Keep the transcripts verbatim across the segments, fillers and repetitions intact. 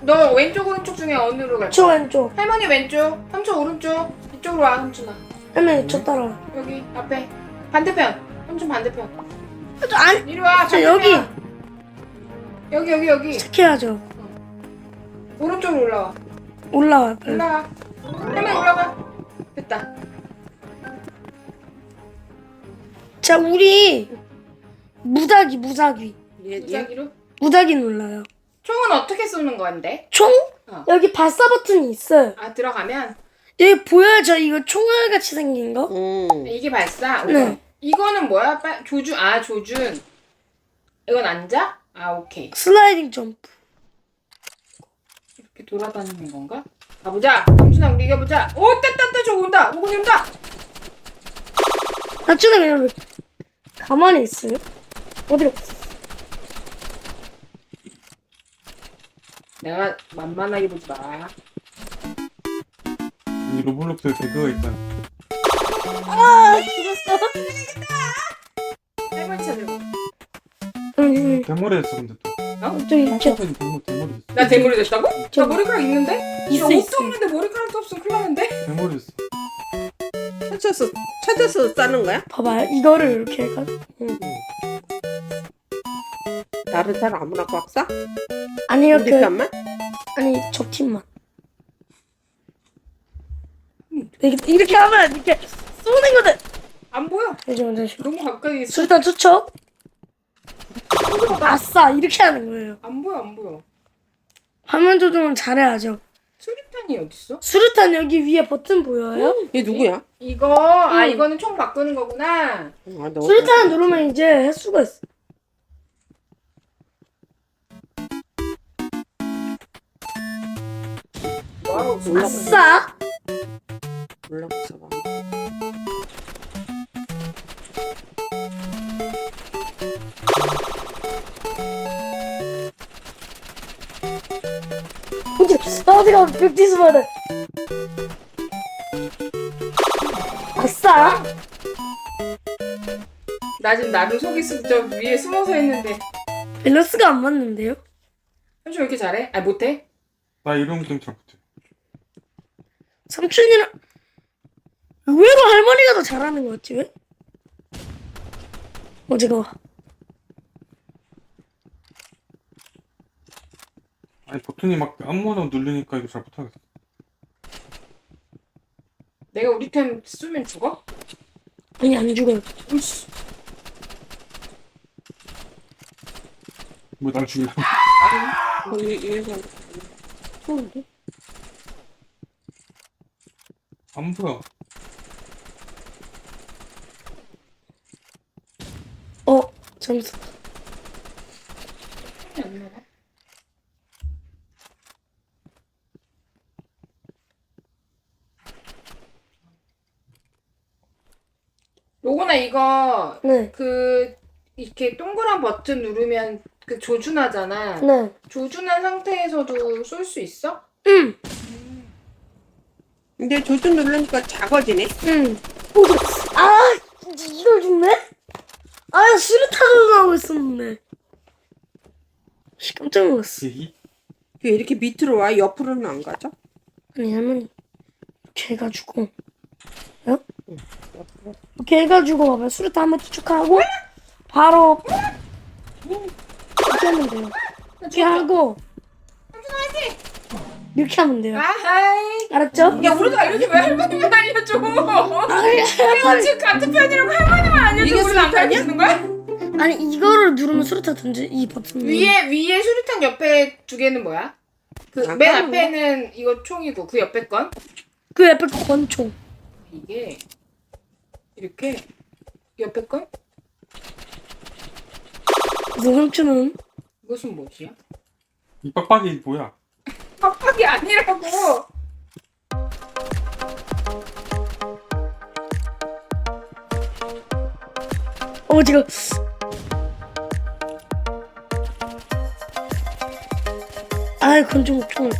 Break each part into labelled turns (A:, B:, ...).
A: 너 왼쪽 오른쪽 중에 어느로 갈
B: 저
A: 거야?
B: 왼쪽.
A: 할머니 왼쪽, 삼촌 오른쪽. 이쪽으로 와, 삼촌아.
B: 할머니 저 따라와.
A: 여기 앞에 반대편. 삼촌 반대편.
B: 저 안.
A: 이리 와.
B: 저
A: 반대편.
B: 여기.
A: 여기 여기 여기.
B: 착해야죠.
A: 오른쪽으로 올라와.
B: 올라와 빨리.
A: 올라가. 할머니 올라가. 됐다.
B: 자 우리 무작위 무작위
C: 얘, 얘
A: 무작위로.
B: 무작위 눌러요.
A: 총은 어떻게 쏘는 건데?
B: 총?
A: 어.
B: 여기 발사 버튼이 있어요.
A: 아 들어가면
B: 여기 보여요? 저 이거 총알 같이 생긴 거?
C: 응.
A: 이게 발사.
B: 네.
A: 우와. 이거는 뭐야? 빨 조준. 아 조준. 이건 앉아? 아 오케이.
B: 슬라이딩 점프.
A: 이렇게 돌아다니는 건가? 가보자. 삼촌아 우리 이겨보자. 오 떼떼떼 저거 온다. 오군이 온다.
B: 나중에 그냥 왜 가만히 있어요? 어디로?
A: 내가 만만하게 보지 마.
D: 이 로블록스에 배그가 있잖아.
B: 아 죽었어.
A: 할머니 찾으러.
B: 응.
D: 대머리였어 근데 또.
A: 어?
B: 저기 저
D: 한국에는 대머 대머리 됐어.
A: 나 대머리 됐다고?
B: 저-
A: 나 머리카락 있는데?
B: 있어,
A: 나 옷도
B: 있어.
A: 없는데 머리카락도 없으면 큰일 나는데?
D: 대머리 됐어.
C: 찾아서 찾아서 싸는 거야?
B: 봐봐요. 이거를 이렇게 해가지고. 응.
C: 다른 사람 아무나 꽉 싸?
B: 아니요
C: 우리
B: 그
C: 편만?
B: 아니 저 팀만. 이렇게, 이렇게 하면 이렇게 쏘는 거든.
A: 안 보여.
B: 잠시만 잠시만.
A: 너무 가까이 있어.
B: 수류탄 투척. 아싸 이렇게 하는 거예요.
A: 안 보여 안 보여.
B: 화면 조정은 잘해야죠.
A: 수류탄이 어딨어?
B: 수류탄 여기 위에 버튼 보여요?
C: 얘 누구야?
A: 이거 아
B: 응.
A: 이거는 총 바꾸는 거구나.
C: 아, 너
B: 수류탄 누르면 이제 횟수가 있어.
A: 와우.
C: 올라가.
B: 아싸.
C: 올라가서 봐.
B: 어디 어디가 벽지수 받아. 아싸.
A: 나 지금 나름 속이 쓰, 저 위에 숨어서 했는데
B: 밸런스가 안 맞는데요?
A: 삼촌 왜 이렇게 잘해? 아 못해?
D: 나 이런 게임 잘 못해.
B: 삼촌이랑 의외로 할머니가 더 잘하는 것 같지 왜? 어제가
D: 아니 버튼이 막 아무거나 누르니까 이거 잘 못하겠어.
A: 내가 우리 템 쓰면 죽어?
B: 아니 안 죽어요.
A: 으이씨.
D: 뭐 날 죽이려고.
C: 어, 얘, 얘가
B: 좋은데?
D: 안 보여.
B: 어 잠시.
A: 안 나가? 요거나 이거
B: 네.
A: 그 이렇게 동그란 버튼 누르면 그 조준하잖아.
B: 네.
A: 조준한 상태에서도 쏠 수 있어?
B: 응.
C: 근데 조준 누르니까 작아지네.
B: 응. 오, 아 이- 이걸 죽네? 아 수류탄으로 나오고 있었는데. 씨, 깜짝 놀랐어.
D: 이
C: 왜 이렇게 밑으로 와? 옆으로는 안 가죠?
B: 아니 할머니 이렇게 해가지고 어? 이렇게 해가지고 봐봐 수류탄 한번 투척하고 바로 이렇게 하면 돼요. 이렇게 하고 이렇게 하면 돼요.
A: 아하이.
B: 알았죠?
A: 야 우리도 알려줘. 왜 할머니만 알려줘?
B: 아니,
A: 우리가 지금 같은 편이라고 할머니만 알려줘.
C: 이게
A: 우리는 안
C: 수류탄이야?
A: 가르쳐주는 거야?
B: 아니 이거를 누르면 수류탄 던져 이 버튼
A: 위에 위에 수류탄 옆에 두 개는 뭐야? 그
C: 아,
A: 맨
C: 까는
A: 앞에는 이거 총이고 그 옆에 건
B: 그 옆에 권총.
A: 이게 이렇게 옆에 건
B: 그래서 삼촌은
A: 이것은 뭐지야?
D: 이 빡빡이 뭐야?
A: 빡빡이 아니라고.
B: 어 지금 아이 권총 총.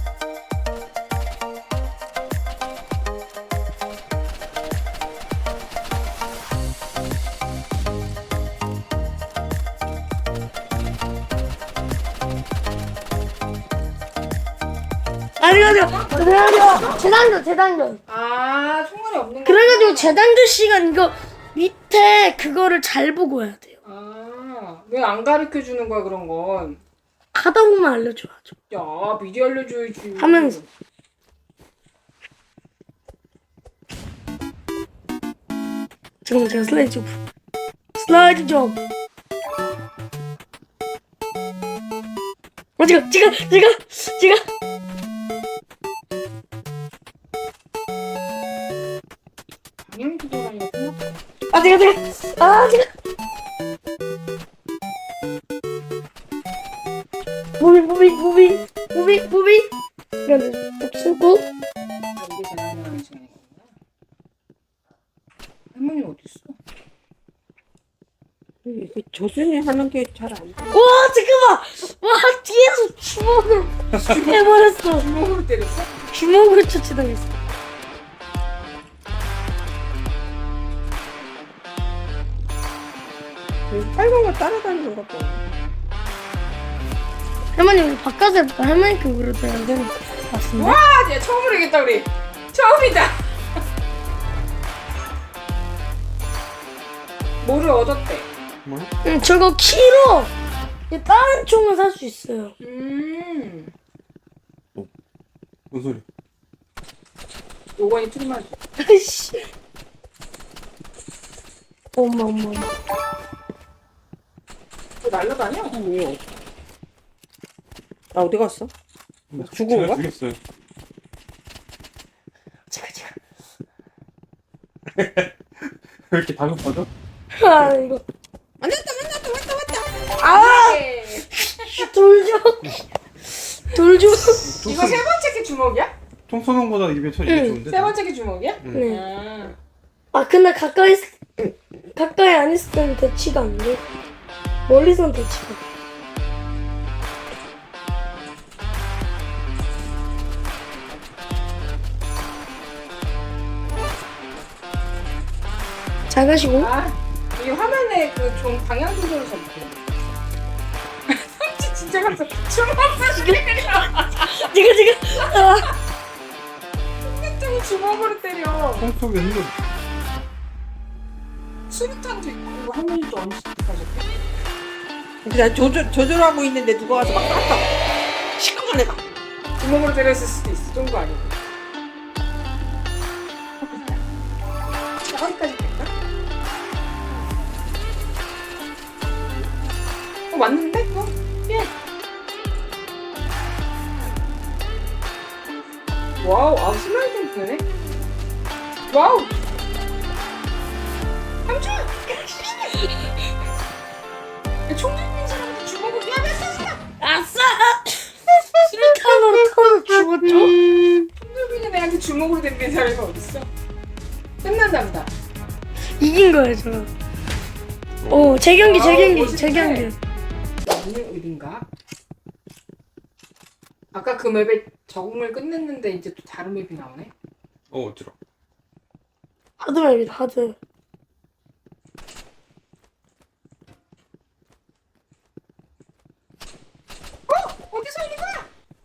B: 그래가지고 그래가지고 재단전 재단전.
A: 아 총알이 없는 거.
B: 그래가지고 재단전 시간 이거 밑에 그거를 잘 보고 해야 돼요.
A: 아왜 안 가르쳐 주는 거야 그런 건?
B: 하다 보면 알려줘야죠.
A: 야 미리 알려줘야지.
B: 하면서. 지금 제가 슬라이드 점. 슬라이드 점. 어, 지금, 지금, 지금, 지금.
A: 당연히 기도라니까 끝났다.
B: 아, 지금, 지금. 아, 지금. 무빙, 무빙, 무빙, 무빙, 무빙. 이런 데 쓰고.
A: 아, 이게 재난하는 시간이구나. 할머니 어디 있어?
C: 이게 조준이 하는 게 잘 안 돼.
B: 와, 잠깐만. 와, 뒤에서 주먹을 해버렸어.
A: 주먹으로 때렸어?
B: 주먹으로 처치당했어.
C: 그 빨간 거 따라다니는 것 봐.
B: 할머니 우리 바꿔서 해볼까? 할머니 급으로 돼야 되는 것 같은데?
A: 와, 얘 처음으로 이겼다 우리. 처음이다. 뭐를 얻었대?
D: 뭐야?
B: 응, 저거 키로 이제 다른 총을 살 수 있어요.
A: 음,
D: 뭔 소리?
A: 요건이 틀만.
B: 아이씨. 엄마, 엄마, 엄마.
A: 또 날라다녀?
C: 뭐야? 나 어디 갔어? 죽은
D: 제가
C: 거야?
D: 죽였어요.
B: 제가, 제가.
D: 왜 이렇게 다급하죠?
B: 아, 이거.
C: 만났다 만났다 왔다 왔다.
B: 아!
A: 네.
B: 돌죠. 돌죠.
A: 이거 세 번째 게 주먹이야?
D: 총 쏘는 거보다 이게 저 이게
B: 응.
D: 좋은데?
A: 세 번째 게 주먹이야?
D: 응.
B: 네.
A: 아,
B: 아, 근데 가까이, 있- 가까이 안 있을 때는 대치가 안 돼. 멀리선 대치가 돼. 잘 가시고.
A: 아, 이 화면에 그 좀 방향 조절을 잘 못해. 삼치 진짜 같아. 주먹 쏘시게 그려.
B: 지금, 지금. 아.
A: 좀 주먹으로 때려.
D: 총 쏘겠는데
A: 수류탄도 있고 할머니도 언제 가졌대?
C: 그냥 조절 조절하고 있는데 누가 와서 막 땄다. 시커먼 애가.
A: 주먹으로 때렸을 수도 있어. 좋은 거 아니고. 어디까지 갈까? 어 맞는데? 어? 예. 와우, 아 슬라이딩 되네. 와우. 삼촌. 총 들린 사람한테 주먹을 야매했어.
B: 아싸! 수류탄으로 타서 죽었죠?
A: 손들비는 애한테 주먹으로 덤빈 사람이 어딨어? 끝난다 보다.
B: 이긴 거예요, 저. 오, 제 경기, 제
A: 아우,
B: 경기,
A: 멋있네.
B: 제 경기.
A: 오늘 어딘가? 아까 그 맵에 적응을 끝냈는데 이제 또 다른 맵이 나오네?
D: 어 어지러.
B: 하드맵이다, 하드.
A: 어? 어디서 이리 가?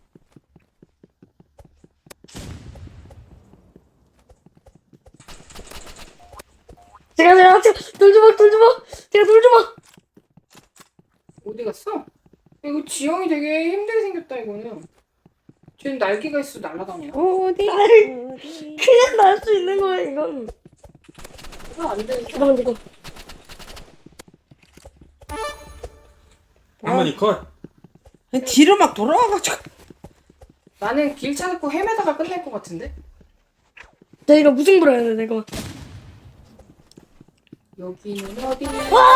B: 제가, 제가, 제가, 돌주먹, 돌주먹! 제가 돌주먹!
A: 어디 갔어? 이거 지형이 되게 힘들게 생겼다 이거는. 쟤는 날개가 있어 날아다녀.
C: 어디?
B: 아이.
C: 어디?
B: 그냥 날 수 있는 거예요, 이건.
A: 이거 안 돼.
B: 잠깐만, 이거.
D: 할머니 컷.
C: 뒤로 막 돌아와가지고.
A: 나는 길 찾고 헤매다가 끝날 것 같은데?
B: 나 이거 무승부로 해야 돼, 내가.
A: 여기는 어디냐?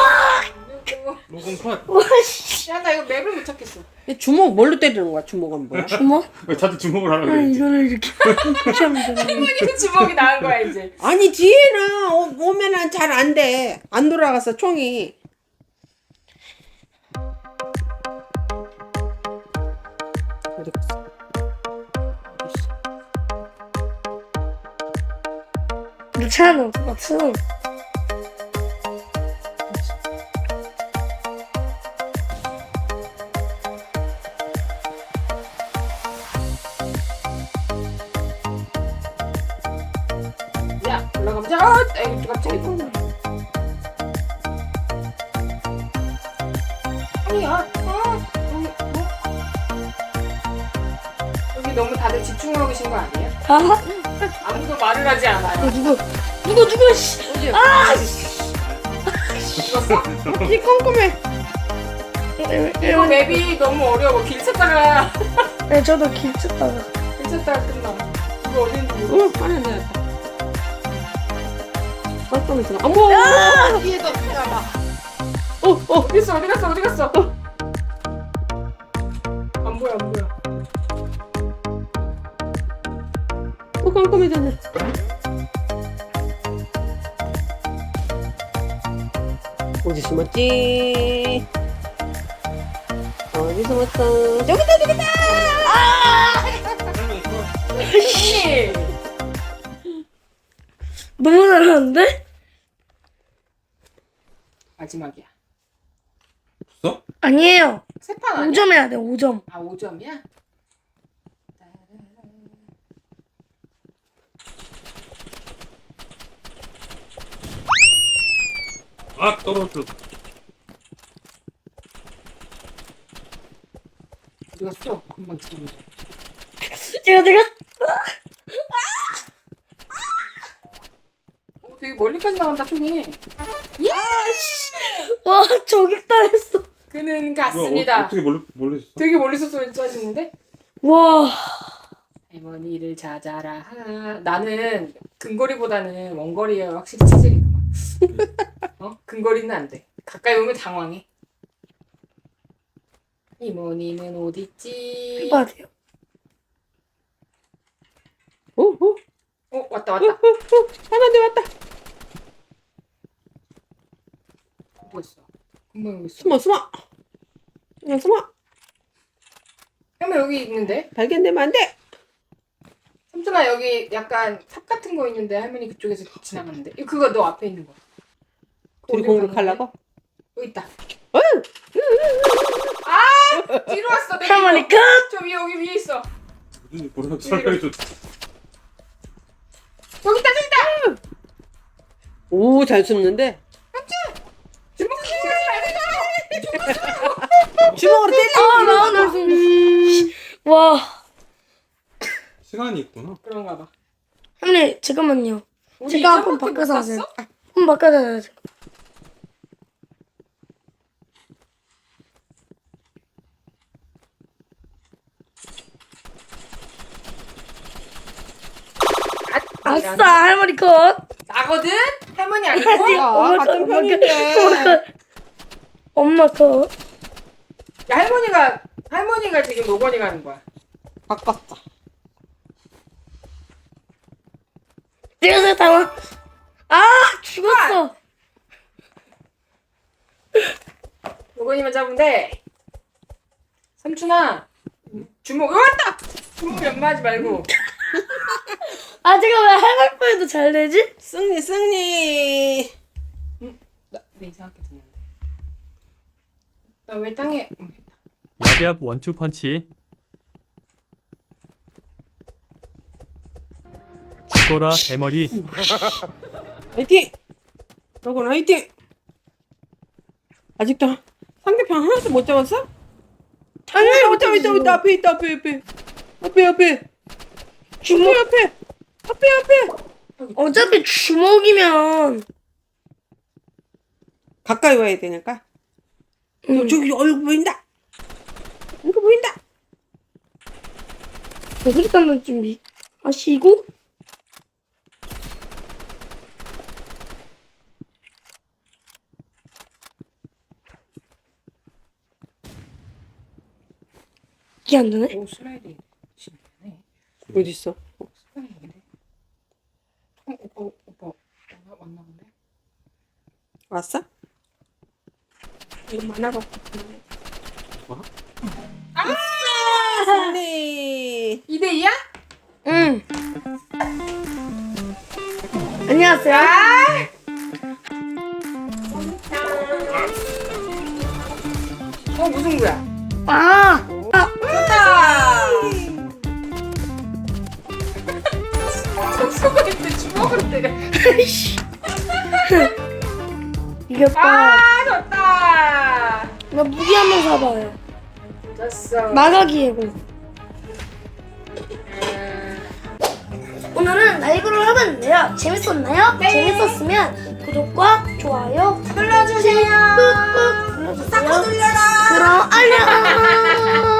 D: 로건 컷.
B: 와, 씨.
A: 야, 나 이거 맵을 못 찾겠어.
C: 주먹 뭘로 때리는 거야? 주먹은 뭐야?
B: 주먹?
D: 왜 다들 주먹을 하라
B: 아,
D: 그래?
B: 이거를 이렇게. 이렇게 하면 되나?
A: 할머니는 주먹이 나은 거야 이제.
C: 아니 뒤에는 오- 오면은 잘 안 돼. 안 돌아가서 총이. 어디 갔어? 어디 있어?
B: 괜찮아, 똑같아.
A: 자, 에이 갑자기 또. 아니야. 어, 여기, 어? 여기 너무 다들 집중하고 계신 거 아니에요?
B: 아,
A: 아무도 말을 하지 않아요.
B: 누구 누구 누구 씨. 아,
A: 죽었어?
C: 이 꼼꼼해.
A: 이거 맵이 너무 어려워. 길 찾다가
B: 네, 저도 길 찾다가.
A: 길 찾다가 끝나. 이거 어딘지 모르겠어.
C: 어, 안에 들었다. 깜깜해서. 어머, 뒤에도 들어봐. 어, 어.
A: 어디 있어? 어디 갔어? 어디 갔어? 안 보여, 안 보여.
C: 어, 깜깜해졌네. 어디 숨었지? 어디 숨었어? 저기다, 저기다!
A: 언니!
B: 너무 잘하는데?
A: 마지막이야.
D: 없어?
B: 아니에요.
A: 세판 아니야?
B: 오 점 해야 돼. 오 점.
A: 아, 오 점이야?
D: 아 떨어져.
A: 어디 갔어? 금방 지금.
B: 제가 제가
A: 어, 되게 멀리까지 나간다, 손이.
B: 와, 저격당했어.
A: 그는
D: 뭐야, 어,
A: 갔습니다.
D: 어떻게 멀리 멀리 있어?
A: 되게 멀리서 소리 짜시는데?
B: 와.
A: 할머니를 찾아라. 나는 근거리보다는 원거리에 확실히 체질이 그만. 어? 근거리는 안 돼. 가까이 오면 당황해. 이모니는 어딨지?
B: 해봐야 돼요.
C: 어, 어,
A: 어 왔다
C: 어,
A: 왔다.
C: 어, 어. 하나도 왔다.
A: 어디 갔어? 금방 여기 있어.
C: 숨어, 숨어. 그냥 숨어.
A: 할머니 여기 있는데?
C: 발견되면 안 돼.
A: 삼촌아 여기 약간 삽 같은 거 있는데 할머니 그쪽에서 지나갔는데. 이거 그거 너 앞에 있는 거.
C: 둘이
A: 어디로
C: 공격하려고?
A: 갔는데? 여기 있다.
C: 어!
A: 아 뒤로 왔어. 내가
B: 할머니
A: 이거.
B: 끝.
A: 저 위에 여기 위에 있어.
D: 무슨 뭐라 설명해줘.
A: 여기 있다 저기 있다.
C: 오, 잘 숨는데.
A: 주먹
C: 주먹으로 때려.
B: 아, 나 오늘 좀. 와.
D: 시간이 있구나.
A: 그런가 봐.
B: 할머니 잠깐만요.
A: 우리
B: 제가 한번
A: 이전밖에 못
B: 바꿔서
A: 갔어?
B: 하세요. 한번 바꿔서 하세요. 아싸, 할머니 컷.
A: 나거든? 할머니 아니고?
B: 아니,
C: 아,
B: 엄마
C: 같은
B: 컷, 엄마
C: 편인데.
B: 컷, 엄마 컷. 엄마 컷.
A: 야 할머니가 할머니가 지금 노건이 가는 거야.
C: 바꿨다.
B: 내가 당황. 아, 죽었어.
A: 노건이만 잡으면 돼. 삼촌아 주먹 여기 왔다. 주먹 연마하지 말고.
B: 아, 제가 왜 할머니도 잘 되지?
C: 승리, 승리.
A: 나 내 이상하게 듣는데. 나 왜 땅에? 응.
E: 야비압 원투 펀치. 죽어라 대머리.
C: 화이팅! 너건 화이팅! 아직도 상대편 하나도 못 잡았어?
B: 당연히
C: 못 잡았어, 있다, 있다, 앞에 있다, 앞에, 앞에. 앞에, 앞에.
B: 주먹.
C: 앞에, 앞에. 앞에, 앞에.
B: 어차피 주먹이면.
C: 가까이 와야 되니까.
B: 음.
C: 어, 저기 얼굴 보인다. 이거 보인다.
B: 일단은 준비 하시고. 이게 안 되네?
A: 오 슬라이드 신기하네.
C: 어디 있어?
A: 슬라이드인데. 어 오빠 오빠 왔나 왔나 본데.
C: 왔어?
A: 이거 많아갖고.
C: 승리.
A: 이 대 이야?
B: 응. 안녕하세요.
A: 아! 어 무슨 거야?
B: 아,
A: 됐다. 점수가 있는데 주먹 주먹으로 때려.
B: 이겼다.
A: 아 졌다.
B: 나 무기 한번 사봐요.
A: 졌어.
B: 마가기 해고. 오늘은 라이브를 해봤는데요. 재밌었나요?
A: 네.
B: 재밌었으면 구독과 좋아요
A: 눌러주세요.
B: 꾹꾹 눌러주세요.
A: 눌러라.
B: 그럼 안녕.